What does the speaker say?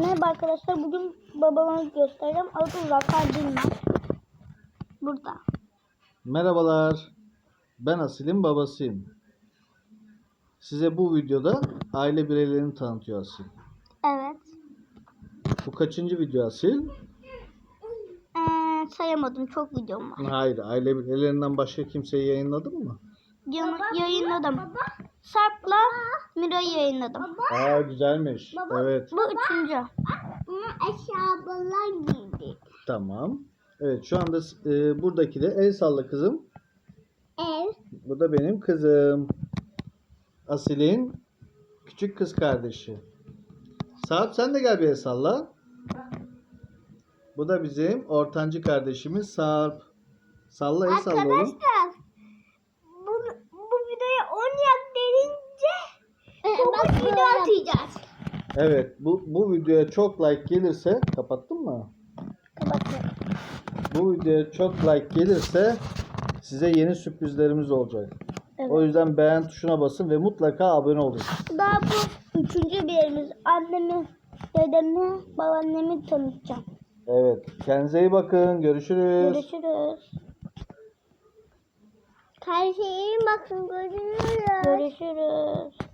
Merhaba arkadaşlar. Bugün babama göstereceğim. Adı Zakar Dilmaz. Burada. Merhabalar. Ben Asil'in babasıyım. Size bu videoda aile bireylerini tanıtıyor Asil. Evet. Bu kaçıncı video Asil? Sayamadım. Çok videom var. Hayır. Aile bireylerinden başka kimseyi yayınladın mı? Yayınladım. Sarp'la Mira'yı yayınladım. Aa, güzelmiş. Evet. Bu üçüncü. Eşyalar giydik. Tamam. Evet, şu anda buradaki de el salla kızım. Ev. Bu da benim kızım. Asil'in küçük kız kardeşi. Sarp, sen de gel bir el salla. Bu da bizim ortancı kardeşimiz Sarp. Salla, el salla oğlum. Arkadaşlar bu videoya 10 yak gelince çok video atacağız. Evet, bu videoya çok like gelirse, kapattın mı? Kapatıyorum. Bu videoya çok like gelirse size yeni sürprizlerimiz olacak. Evet. O yüzden beğen tuşuna basın ve mutlaka abone olun. Daha bu üçüncü birimiz. Annemi, dedemi, babaannemi tanıtacağım. Evet, kendinize iyi bakın. Görüşürüz. Görüşürüz. Karşıya bakın görünüyor. Görüşürüz.